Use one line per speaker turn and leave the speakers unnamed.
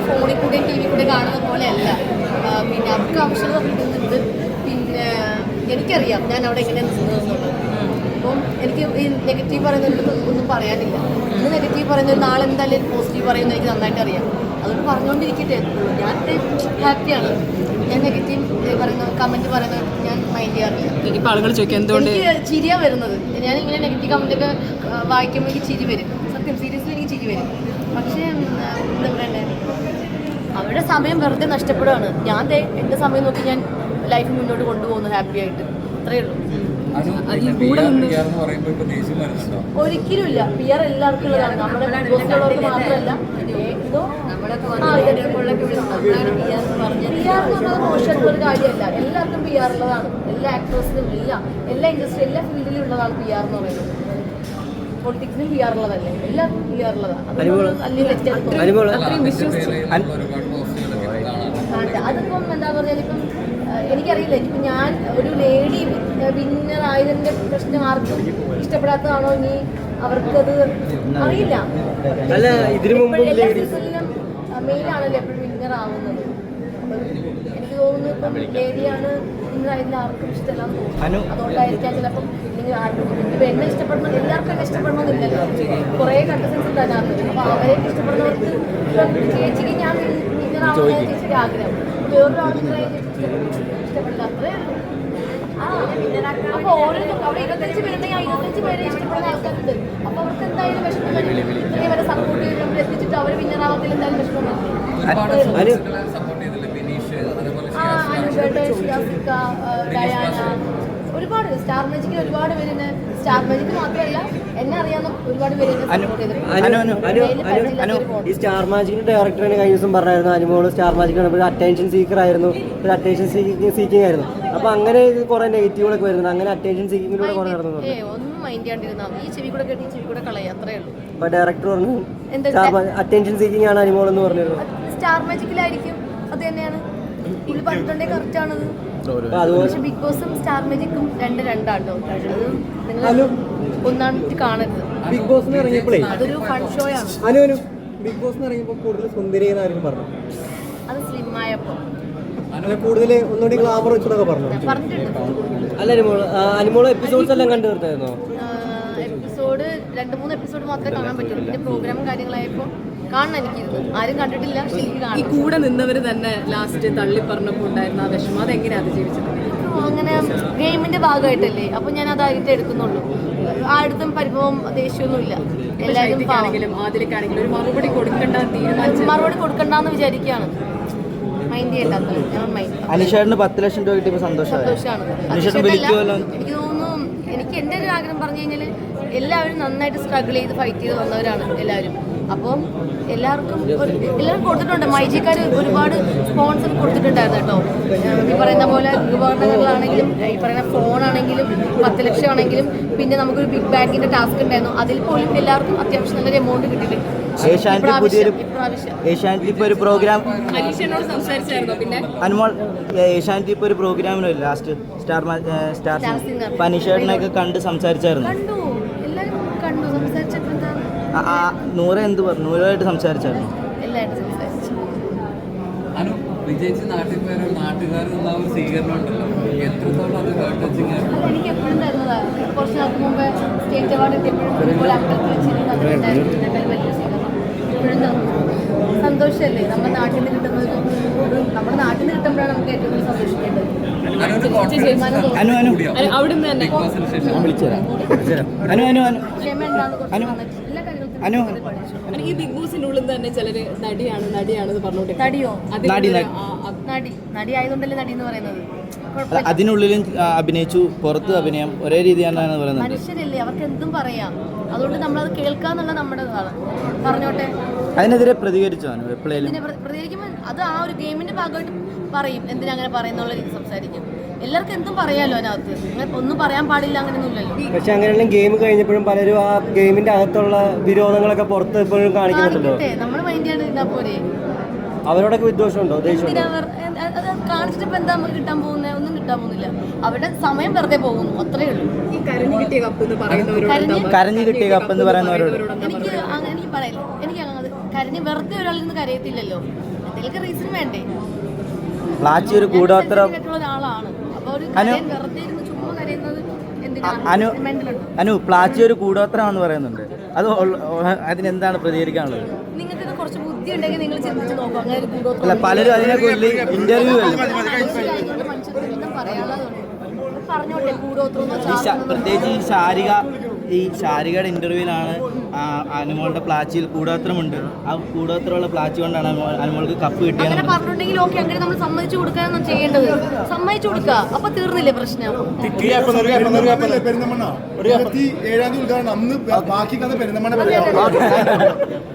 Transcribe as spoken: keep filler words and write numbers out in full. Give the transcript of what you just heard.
ഫോണിൽ കൂടെ T V കൂടെ കാണുന്ന പോലെയല്ല. പിന്നെ അവർക്ക് ആവശ്യമുള്ള കിട്ടുന്നുണ്ട്. പിന്നെ എനിക്കറിയാം ഞാൻ അവിടെ എങ്ങനെയാണ് നിന്നതെന്നുള്ളത്. അപ്പം എനിക്ക് ഈ നെഗറ്റീവ് പറയുന്നതിൽ ഒന്നും പറയാനില്ല. ഇന്ന് നെഗറ്റീവ് പറയുന്നത് നാളെ എന്തായാലും പോസിറ്റീവ് പറയുന്നത് എനിക്ക് നന്നായിട്ട് അറിയാം. അതുകൊണ്ട് പറഞ്ഞുകൊണ്ടിരിക്കട്ടെ. ഞാൻ ഹാപ്പിയാണ്. ഞാൻ നെഗറ്റീവ് പറയുന്ന കമൻറ്റ് പറയുന്നത് ഞാൻ മൈൻഡ് ചെയ്യാറില്ല.
ഇനിയിപ്പോൾ ആളുകൾ ചോദിക്കും എന്തുകൊണ്ട്
എനിക്ക് ചിരിയാണ് വരുന്നത്. ഞാൻ ഇങ്ങനെ നെഗറ്റീവ് കമൻറ്റൊക്കെ വായിക്കുമ്പോൾ എനിക്ക് ചിരി വരും. സത്യം സീരിയസ്ലി എനിക്ക് ചിരി വരും. പക്ഷേ എന്താ പറയണ്ടേ, അവരുടെ സമയം വെറുതെ നഷ്ടപ്പെടുകയാണ്. ഞാൻ ദേ എൻ്റെ സമയം നോക്കി ഞാൻ ലൈഫ് മുന്നോട്ട് കൊണ്ടുപോകുന്നു ഹാപ്പി ആയിട്ട്. അത്രയേ ഉള്ളൂ. ഒരിക്കലും ഇല്ല. പി ആർ എല്ലാവർക്കും ഉള്ളതാണ്. നമ്മുടെ ബോസിലുള്ളവർക്ക് മാത്രമല്ല. പി ആർ എന്ന് പറഞ്ഞാൽ മോശമായിട്ടുള്ള ഒരു കാര്യമല്ല. എല്ലാവർക്കും പി ആർ ഉള്ളതാണ്. എല്ലാ ആക്ടേഴ്സിനും എല്ലാം എല്ലാ ഇൻഡസ്ട്രി എല്ലാ ഫീൽഡിലും ഉള്ളതാണ് പി ആർ എന്ന് പറയുന്നത്. പൊളിറ്റിക്സിനും പി ആർ ഉള്ളതല്ലേ, എല്ലാം പി ആർ ഉള്ളതാണ്. അതിപ്പം എന്താ പറഞ്ഞാൽ ഇപ്പം എനിക്കറിയില്ല. ഇപ്പം ഞാൻ ഒരു ലേഡി വിന്നർ ആയതിൻ്റെ പ്രശ്നം ആർക്കും ഇഷ്ടപ്പെടാത്തതാണോ ഇനി അവർക്കത് അറിയില്ല. എല്ലാ സീസണിലും മെയിലാണല്ലോ എപ്പോഴും വിന്നർ ആവുന്നത്. എനിക്ക് തോന്നുന്നു ഇപ്പം ലേഡിയാണ് വിന്നർ ആയതിൽ ആർക്കും ഇഷ്ടമല്ലാന്ന് തോന്നുന്നു. അതുകൊണ്ടായിരിക്കാം ചിലപ്പം ഇല്ലെങ്കിൽ ആർക്കും ഇപ്പം എന്നെ ഇഷ്ടപ്പെടണം എല്ലാവർക്കും എന്നെ ഇഷ്ടപ്പെടണമെന്നില്ലല്ലോ. കുറേ കണ്ടസ്റ്റൻസ് ഉണ്ട് അതിനകത്ത്. അപ്പോൾ അവരെയൊക്കെ ഇഷ്ടപ്പെടുന്നവർക്ക് ചേച്ചിക്ക് ഞാൻ വിന്നർ ആവുന്ന ചേച്ചിക്ക് ആഗ്രഹം. വേറൊരാൾ വിന്നർ ആയ ഇഷ്ടപ്പെടില്ല. അത്രേ ഉള്ളൂ. ആ അപ്പോൾ ഓരോരുത്തരും അവിടെ ഇരുപത്തഞ്ച് പേരുണ്ടെങ്കിൽ ആ ഇരുപത്തഞ്ച് പേരെ ഇഷ്ടപ്പെടുന്ന ആൾക്കാരുണ്ട്. അപ്പോൾ അവർക്ക് എന്തായാലും വിഷമം വരും. ഇത്രയും വരെ സപ്പോർട്ട് ചെയ്ത് നമ്മൾ എത്തിച്ചിട്ട് അവർ വിന്നറാവത്തിൽ എന്തായാലും വിഷമം വരും. ആ അനുബേട്ട, ഷിയാസിക്ക, ഡയാന, ഒരുപാട് സ്റ്റാർ മാജിക്കിൽ ഒരുപാട് പേര്. സ്റ്റാർ മാജിക്ക് മാത്രമല്ല എന്നെ അറിയാവുന്ന ഒരുപാട് പേര്
ഈ സ്റ്റാർ മാജിക്കിന്റെ ഡയറക്ടറിന് കഴിഞ്ഞ ദിവസം പറഞ്ഞായിരുന്നു അനുമോള് സ്റ്റാർ മാജിക് ഒരു അറ്റൻഷൻ സീക്കർ ആയിരുന്നു, ഒരു അറ്റൻഷൻ സീക്കിംഗ് ആയിരുന്നു. അപ്പൊ അങ്ങനെ കുറെ നെഗറ്റീവുകളൊക്കെ വരുന്നത്. അങ്ങനെ അറ്റൻഷൻ സീക്കിങ്ങിലൂടെ കുറെ നടന്നു.
ഒന്നും മൈൻഡ് ചെയ്യാണ്ടിരുന്നാൽ ഈ ചെവി കൂടെ കേട്ടി ചെവി കൂടെ കളയാ, അത്രേ ഉള്ളൂ.
അപ്പൊ ഡയറക്ടർ പറഞ്ഞു അറ്റൻഷൻ സീക്കിംഗ് ആണ് അനുമോൾ എന്ന് പറഞ്ഞിരുന്നു.
സ്റ്റാർ മാജിക്കിലായിരിക്കും, അത് തന്നെയാണ് പുള്ളി പറഞ്ഞിട്ടുണ്ടെങ്കിൽ കറക്റ്റ് ആണത്. പക്ഷെ ബിഗ് ബോസും സ്റ്റാർ മാജിക്കും രണ്ട് രണ്ടാട്ടോ. അത് നിങ്ങൾ ഒന്നാമിട്ട് കാണരുത്.
ബിഗ് ബോസ് ഇറങ്ങിയപ്പോഴേ
അതൊരു ഫൺ ഷോ ആണ്.
അനു ബിഗ് ബോസ് ഇറങ്ങിയപ്പോൾ കൂടുതൽ സുന്ദരി എന്നായിരുന്നു പറഞ്ഞു.
അത് സ്ലിം ആയപ്പോ
കൂടുതൽ ഒന്നുകൂടി ഗ്ലാമർ വെച്ചതൊക്കെ പറഞ്ഞു
പറഞ്ഞിട്ടുണ്ട്.
അല്ല അനുമോള് അനുമോള് എപ്പിസോഡ്സ് എല്ലാം കണ്ടു തീർത്തായിരുന്നോ?
എപ്പിസോഡ് രണ്ട് മൂന്ന് എപ്പിസോഡ് മാത്രമേ കാണാൻ പറ്റുള്ളൂ. പിന്നെ പ്രോഗ്രാമും കാര്യങ്ങളായപ്പോൾ കാണണം എനിക്കിരുന്നു. ആരും കണ്ടിട്ടില്ല.
ഈ കൂടെ നിന്നവർ തന്നെ ലാസ്റ്റ് തള്ളി പറഞ്ഞപ്പോൾ ഉണ്ടായിരുന്ന ആ വിഷമം അതെങ്ങനെ അതിജീവിച്ചത്?
അങ്ങനെ ഗെയിമിന്റെ ഭാഗമായിട്ടല്ലേ, അപ്പൊ ഞാൻ അതായിട്ട് എടുക്കുന്നുള്ളൂ. ആടുത്തും പരിഭവം ദേഷ്യമൊന്നുമില്ല. എല്ലാവരും
ആദ്യക്കാണെങ്കിലും ഒരു മറുപടി കൊടുക്കണ്ട തീരുമാനിച്ചു
മറുപടി കൊടുക്കണ്ടെന്ന് വിചാരിക്കുകയാണ്. മൈൻഡ് ചെയ്യണ്ടാത്ത ഞാൻ മൈൻഡ്.
അനിഷേട്ടന് പത്ത് ലക്ഷം രൂപ കിട്ടിയപ്പോൾ സന്തോഷമാണ്.
എനിക്ക് തോന്നുന്നു എനിക്ക് എൻ്റെ ഒരു ആഗ്രഹം പറഞ്ഞു കഴിഞ്ഞാൽ എല്ലാവരും നന്നായിട്ട് സ്ട്രഗിൾ ചെയ്ത് ഫൈറ്റ് ചെയ്ത് വന്നവരാണ് എല്ലാവരും. അപ്പം എല്ലാവർക്കും എല്ലാവരും കൊടുത്തിട്ടുണ്ട്. മൈജിക്കാർ ഒരുപാട് സ്പോൺസർ കൊടുത്തിട്ടുണ്ടായിരുന്നു കേട്ടോ. ഈ പറയുന്ന പോലെ ഉപകരണങ്ങളാണെങ്കിലും ഈ പറയുന്ന ഫോണാണെങ്കിലും പത്ത് ലക്ഷം ആണെങ്കിലും പിന്നെ നമുക്കൊരു ബിഗ് ബാങ്കിന്റെ ടാസ്ക് ഉണ്ടായിരുന്നു. അതിൽ പോലും എല്ലാവർക്കും അത്യാവശ്യം നല്ലൊരു എമൗണ്ട് കിട്ടിയിട്ടുണ്ട്.
ഏഷ്യാനെറ്റ് ഇപ്പോൾ ഒരു പ്രോഗ്രാം
അനീഷനോട് സംസാരിച്ചായിരുന്നോ? പിന്നെ
അനുമോൾ ഏഷ്യാനെറ്റ് ഇപ്പോൾ ഒരു പ്രോഗ്രാമിനോ ലാസ്റ്റ് സ്റ്റാർ സ്റ്റാർ അനീഷേട്ടനൊക്കെ കണ്ട് സംസാരിച്ചായിരുന്നു.
കണ്ടു, എല്ലാവരും കണ്ടു. സംസാരിച്ചപ്പോൾ എന്താണ്
നൂറ് എന്ത് പറഞ്ഞു? നൂറായിട്ട് സംസാരിച്ചായിരുന്നു.
എല്ലാവരും സംസാരിച്ചു.
വിജയിച്ച് നാട്ടിൽ പോയാൽ നാട്ടുകാർ സ്വീകരണം ഉണ്ടല്ലോ, എത്രത്തോളം അത്
എനിക്ക് എപ്പോഴും തരുന്നതാണ്. കുറച്ച് നാൾക്ക് മുമ്പ് സ്റ്റേറ്റ് അവാർഡ് കിട്ടിയപ്പോഴും ഇതുപോലെ അമ്പലത്തിൽ വെച്ചിരുന്നു. അതിലുണ്ടായിരുന്നു വലിയ സ്വീകരണം എപ്പോഴും തന്നു. സന്തോഷമല്ലേ നമ്മുടെ നാട്ടിൽ നിന്ന് കിട്ടുന്നത്? നമ്മുടെ നാട്ടിൽ നിന്ന് കിട്ടുമ്പോഴാണ് നമുക്ക് ഏറ്റവും കൂടുതൽ സന്തോഷിക്കേണ്ടത്.
അവിടുന്ന് തന്നെ ഈ ബിഗ് ബോസിന്റെ ഉള്ളിൽ തന്നെ ചിലര് നടിയാണ് നടിയാണെന്ന് പറഞ്ഞോട്ടെ.
നടിയോ? നടി നടി ആയതുകൊണ്ടല്ലേ നടി എന്ന് പറയുന്നത്.
അതിനുള്ളിലും അഭിനയിച്ചു, പുറത്ത് അഭിനയം ഒരേ രീതിയാണ് പറയുന്നത്.
മനുഷ്യരല്ലേ, അവർക്ക് എന്തും പറയാം. അതുകൊണ്ട് നമ്മളത് കേൾക്കാന്നുള്ള നമ്മുടെ പറഞ്ഞോട്ടെ.
അതിനെതിരെ പ്രതികരിച്ചോ?
പ്രതികരിക്കുമ്പോൾ അത് ആ ഒരു ഗെയിമിന്റെ ഭാഗമായിട്ട് പറയും. എന്തിനാ അങ്ങനെ പറയുന്നുള്ള രീതി സംസാരിക്കും. എല്ലാവർക്കും എന്തും പറയാലോ അതിനകത്ത്. അങ്ങനെ ഒന്നും പറയാൻ പാടില്ല അങ്ങനെയൊന്നുമില്ലല്ലോ.
പക്ഷെ അങ്ങനെയുള്ള ഗെയിം കഴിഞ്ഞപ്പോഴും പലരും ആ ഗെയിമിന്റെ അകത്തുള്ള വിരോധങ്ങളൊക്കെ പുറത്ത് എപ്പോഴും കാണിക്കുന്നുണ്ടല്ലോ.
നമ്മൾ മൈൻഡ് ചെയ്താൽ പോരെ.
അവരോടൊക്കെ വിദ്വേഷമുണ്ടോ?
അത് കാണിച്ചിട്ട് ഇപ്പൊ എന്താ നമുക്ക് കിട്ടാൻ പോകുന്നത്? ഒന്നും കിട്ടാൻ പോകുന്നില്ല. അവരുടെ സമയം വെറുതെ പോകുന്നു, അത്രേ ഉള്ളൂ.
ഈ കരഞ്ഞു കിട്ടിയ കപ്പ് എന്ന് പറയുന്നവരോട്
കരഞ്ഞു കിട്ടിയ കപ്പ് എന്ന് പറയുന്നവരോട്
എനിക്ക് അങ്ങനെ എനിക്ക് പറയില്ല. എനിക്ക് അങ്ങനെ കരഞ്ഞ് വെറുതെ ഒരാളിൽ നിന്ന് കരയത്തില്ലല്ലോ. എന്തെങ്കിലും റീസൺ വേണ്ടേ?
പ്ലാച്ചി ഒരു കൂടോത്രം
ആയിട്ടുള്ള ഒരാളാണ്. അപ്പൊ ഒരു കരയാൻ വെറുതെ ഇരുന്ന് ചുമ്മാ കരയുന്നത് എന്തിനാ?
അനു
Mental ഉണ്ടോ?
അനു പ്ലാച്ചി ഒരു കൂടോത്രമാണെന്ന് പറയുന്നുണ്ട്. അത് ഉള്ള- അതിനെന്താണ് പ്രതികരിക്കാനുള്ളത്?
നിങ്ങൾക്ക് ഇത് കുറച്ച് ബുദ്ധി ഉണ്ടെങ്കിൽ നിങ്ങൾ ചിന്തിച്ച് നോക്കും. അങ്ങനെ ഒരു
അല്ല,
കൂടോത്രം
പലരും അതിനെക്കുറിച്ച് ഇന്റർവ്യൂ അല്ലേ
മനുഷ്യർക്ക് മനുഷ്യർക്ക് എന്തും പറയാനുള്ളതുണ്ട്. പറഞ്ഞോട്ടെ, കൂടോത്രം
ഈ ശ- പ്രത്യേകിച്ച് ഈ ശാരിക ഈ ശാരികയുടെ ഇന്റർവ്യൂവിലാണ് അനുമോളുടെ പ്ലാച്ചിയിൽ കൂടോത്രമുണ്ട്. ആ കൂടോത്രമുള്ള പ്ലാച്ചി കൊണ്ടാണ് അനുമോൾ- അനുമോൾക്ക് കപ്പ്
അങ്ങനെ
കിട്ടിയത്.
പറഞ്ഞിട്ടുണ്ടെങ്കിൽ ഓക്കെ, അങ്ങനെ നമ്മൾ സമ്മതിച്ചു കൊടുക്കാനൊന്നും ചെയ്യേണ്ടത്. സമ്മതിച്ചു കൊടുക്കുക, അപ്പൊ തീർന്നില്ലേ പ്രശ്നം?
പെരുന്തമണ്ണ ഇരുപത്തി ഏഴാം തീയതി ഉദ്ഘാടനം. അന്ന് ബാക്കി കഥ പെരുന്തമണ്ണ